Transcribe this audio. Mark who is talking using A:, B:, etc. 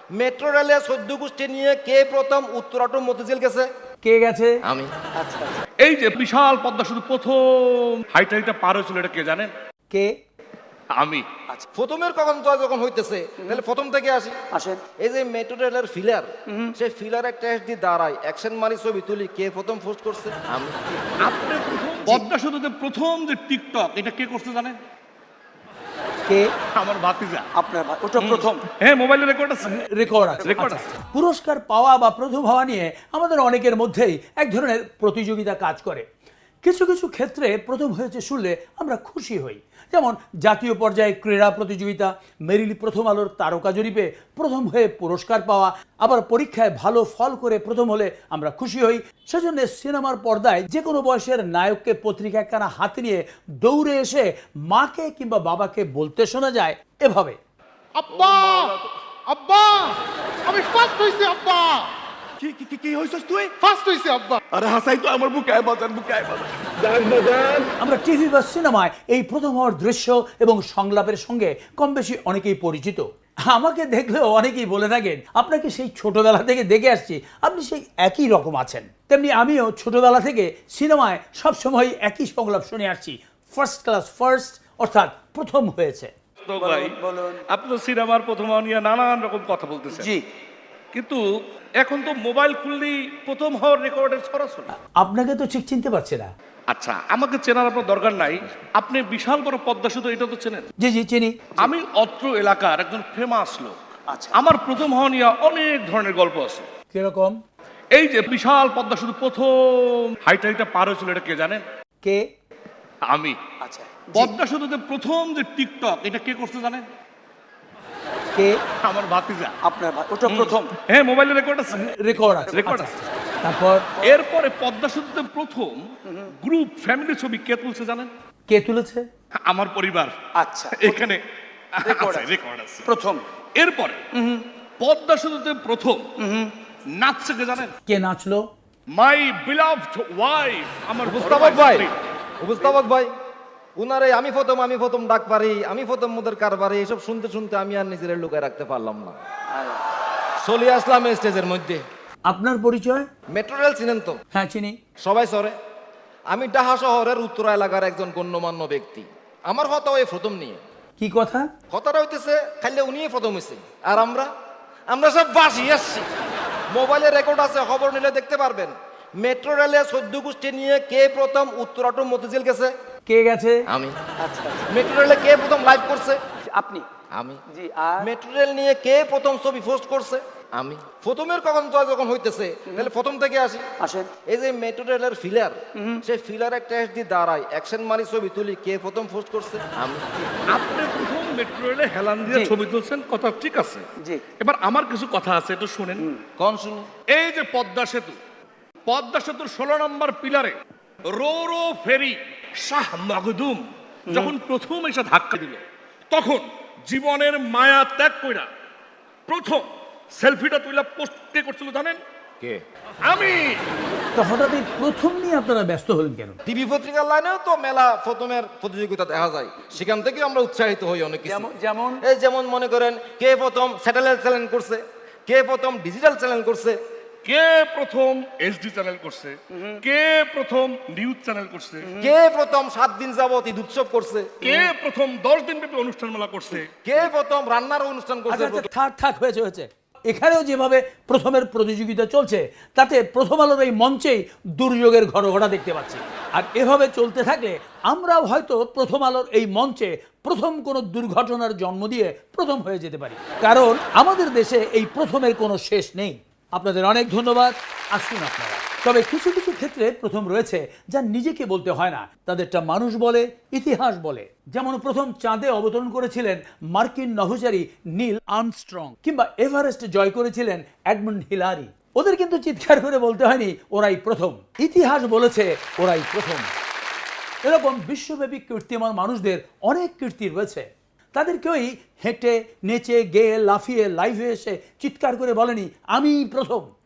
A: Metro রেলে 14 গোষ্ঠী নিয়ে কে প্রথম উত্তরাটো মতিঝিল গেছে?
B: কে গেছে?
A: আমি।
B: আচ্ছা
C: এই যে বিশাল পদ্মা সেতু প্রথম হাইটা পার হয়েছিল, এটা কে জানেন?
B: কে?
C: আমি।
B: আচ্ছা
A: প্রথমের কখন তো যখন হইতেছে তাহলে প্রথম থেকে আসি।
B: আসেন।
A: এই যে মেট্রো রেলের ফিলার, সেই ফিলারে টেস্ট দিয়ে দাঁড়ায় অ্যাকশন মারি ছবি তুলি, কে প্রথম পোস্ট করছে? আমি।
C: আপনি প্রথম পদ্মা সেতুতে প্রথম যে টিকটক, এটা কে করতে জানেন?
B: কে?
C: আমার ভাতিজা।
B: আপনার ওটা প্রথম
C: হ্যাঁ, মোবাইলে রেকর্ড আছে।
B: রেকর্ড আছে।
C: রেকর্ড
B: আচ্ছা,
C: আছে।
B: পুরস্কার পাওয়া বা প্রথম হওয়া নিয়ে আমাদের অনেকের মধ্যেই এক ধরনের প্রতিযোগিতা কাজ করে। কিছু কিছু ক্ষেত্রে প্রথম হয়েছে শুনলে আমরা খুশি হই, যেমন জাতীয় পর্যায়ে ক্রীড়া প্রতিযোগিতা, মেরিল প্রথম আলোর তারকা জরিপে প্রথম হয়ে পুরস্কার পাওয়া, আবার পরীক্ষায় ভালো ফল করে প্রথম হলে আমরা খুশি হই। সেজন্য সিনেমার পর্দায় যে কোনো বয়সের নায়ককে পত্রিকা একখানা হাতে নিয়ে দৌড়ে এসে মাকে কিংবা বাবাকে বলতে শোনা যায় এভাবে,
D: আব্বা আব্বা আমি ফার্স্ট হইছি আব্বা।
E: কি কি কি কি হইছস তুই?
D: ফার্স্ট হইছি আব্বা।
E: আরে হাসাই তো আমার বুকে আয় বাজান, বুকে আয় বাজান।
B: আমরা টিভি বা সিনেমায় এই প্রথম হওয়ার দৃশ্য এবং সংলাপের সঙ্গে কম বেশি অনেকেই পরিচিত। আমাকে দেখলেও অনেকেই বলে থাকেন আপনাকে সেই ছোটবেলা থেকে দেখে আসছি, আপনি সেই একই রকম আছেন। তেমনি আমিও ছোটবেলা থেকে সিনেমায় সবসময় একই সংলাপ শুনে আসছি, ফার্স্ট ক্লাস ফার্স্ট, অর্থাৎ প্রথম হয়েছে।
C: তো ভাই, আপনি তো সিনেমার প্রথম হওয়া নিয়ে নানান রকম কথা বলতেছেন।
B: জি,
C: কিন্তু এখন তো মোবাইল খুললেই প্রথম হওয়ার রেকর্ডের সরাসরি।
B: আপনাকে তো ঠিক চিনতে পারছি না।
C: আচ্ছা, আমাকে চেনার আপনার দরকার নাই। আপনি বিশাল বড় পদ্মা সেতু, এটা তো চেনেন।
B: জি জি চিনি।
C: আমি অত্র এলাকার একজন ফেমাস লোক।
B: আচ্ছা,
C: আমার প্রথম হওয়া নিয়ে অনেক ধরনের গল্প আছে।
B: কিরকম?
C: এই যে বিশাল পদ্মা সেতু প্রথম হাইটা পার হয়েছিল, এটা কে জানেন?
B: কে?
C: আমি।
B: আচ্ছা,
C: পদ্মা সেতুতে প্রথম যে টিকটক, এটা কে করতে জানেন?
B: কে?
C: আমার ভাতিজা।
B: আপনার ওটা প্রথম
C: হ্যাঁ, মোবাইলে রেকর্ড আছে।
B: রেকর্ড আছে।
C: রেকর্ড
B: আচ্ছা,
C: আছে।
B: তারপর
C: এরপরে পদ্মা সেতুতে প্রথম গ্রুপ ফ্যামিলি ছবি কে তুলছে জানেন?
B: কে তুলেছে?
C: আমার পরিবার।
B: আচ্ছা,
C: এখানে
B: রেকর্ড আছে।
C: রেকর্ড আছে।
B: প্রথম।
C: এরপরে পদ্মা সেতুতে প্রথম নাচছে কে জানেন?
B: কে নাচলো?
C: মাই বিলাভড ওয়াইফ, আমার
A: উপস্থাপক ভাই, উপস্থাপক ভাই, উনারে আমি প্রথম ডাক পারি, আমি প্রথম মোদের কারবারে, এসব শুনতে শুনতে আমি আর নিজের লুকায় রাখতে পারলাম না, চলে আসলাম এই স্টেজের মধ্যে।
B: আপনার পরিচয়?
A: মেট্রো রেল চিনেন তো?
B: হ্যাঁ চিনি।
A: সবাই সরে। আমি ঢাকা শহরের উত্তরা এলাকার একজন গণ্যমান্য ব্যক্তি। আমার কথা ওই প্রথম নিয়ে।
B: কি কথা?
A: কথাটা হইতেছে খাইলে উনিই প্রথম হয়েছে, আর আমরা সব বাসি আসছি। মোবাইলে রেকর্ড আছে, খবর নিলে দেখতে পারবেন। মেট্রো রেলে 14 গোষ্ঠী নিয়ে কে প্রথম উত্তরাটো মতিঝিল গেছে?
B: কে গেছে?
A: আমি।
B: আচ্ছা,
A: মেট্রো রেলে কে প্রথম লাইভ করছে?
B: আপনি।
A: আমি।
B: জি, আর
A: মেট্রো রেল নিয়ে কে প্রথম ছবি পোস্ট করছে? আমি। প্রথমের কখন তো যখন হইতেছে তাহলে প্রথম থেকে আসি।
B: আসেন।
A: এই যে মেট্রো রেলের ফিলার, সেই ফিলারে টেস্ট দিয়ে দাঁড়ায় অ্যাকশন মারি ছবি তুলি, কে প্রথম পোস্ট করছে? আমি।
C: আপনি প্রথম মেট্রো রেলে হেলান দিয়ে
B: জি।
C: ছবি তুলছেন, কথা ঠিক আছে।
B: জি।
C: এবার আমার কিছু কথা আছে, একটু শুনেন।
A: কোন শুনি?
C: এই যে পদ্মা সেতুর 16 নম্বর পিলারে রো ফেরি শাহ মখদুম যখন প্রথম এসে ধাক্কা দিল, তখন জীবনের মায়া ত্যাগ কইরা প্রথম সেলফিটা তুইলা পোস্ট কে করছিল জানেন?
A: কে?
C: আমি।
B: তো হঠাৎ এই প্রথম নিয়ে আপনারা ব্যস্ত হলেন কেন?
A: টিভি পত্রিকার লাইনেও তো মেলা প্রথমের প্রতিযোগিতা দেখা যায়, সেখান থেকে আমরা উৎসাহিত হই অনেক কিছু।
B: যেমন
A: এই যেমন মনে করেন কে প্রথম স্যাটেলাইট চ্যানেল করছে, কে প্রথম ডিজিটাল চ্যানেল করছে,
C: কে প্রথম এইচডি চ্যানেল করছে, কে প্রথম নিউজ চ্যানেল করছে,
A: কে প্রথম 7 দিন যাবত ঈদ উৎসব করছে,
C: কে প্রথম 10 দিন ব্যাপী অনুষ্ঠান মেলা করছে,
A: কে প্রথম রান্নার অনুষ্ঠান করছে।
B: আচ্ছা, থাক হয়েছে। এখানেও যেভাবে প্রথমের প্রতিযোগিতা চলছে, তাতে প্রথম আলোর এই মঞ্চেই দুর্যোগের ঘটনা দেখতে পাচ্ছি। আর এভাবে চলতে থাকলে আমরাও হয়তো প্রথম আলোর এই মঞ্চে প্রথম কোনো দুর্ঘটনার জন্ম দিয়ে প্রথম হয়ে যেতে পারি, কারণ আমাদের দেশে এই প্রথমের কোনো শেষ নেই। আপনাদের অনেক ধন্যবাদ। আসুন আপনারা। তবে কিছু কিছু ক্ষেত্রে প্রথম রয়েছে যা নিজেকে বলতে হয় না, তাদেরটা মানুষ বলে, ইতিহাস বলে। যেমন প্রথম চাঁদে অবতরণ করেছিলেন মার্কিন নভোচারী নীল আর্মস্ট্রং, কিংবা এভারেস্ট জয় করেছিলেন এডমন্ড হিলারি। ওদের কিন্তু চিৎকার করে বলতে হয়নি ওরাই প্রথম, ইতিহাস বলেছে ওরাই প্রথম। এরকম বিশ্বব্যাপী কীর্তিমান মানুষদের অনেক কীর্তি রয়েছে। তাদের কেউই হেঁটে নেচে গেয়ে লাফিয়ে লাইভে এসে চিৎকার করে বলেনি আমি প্রথম।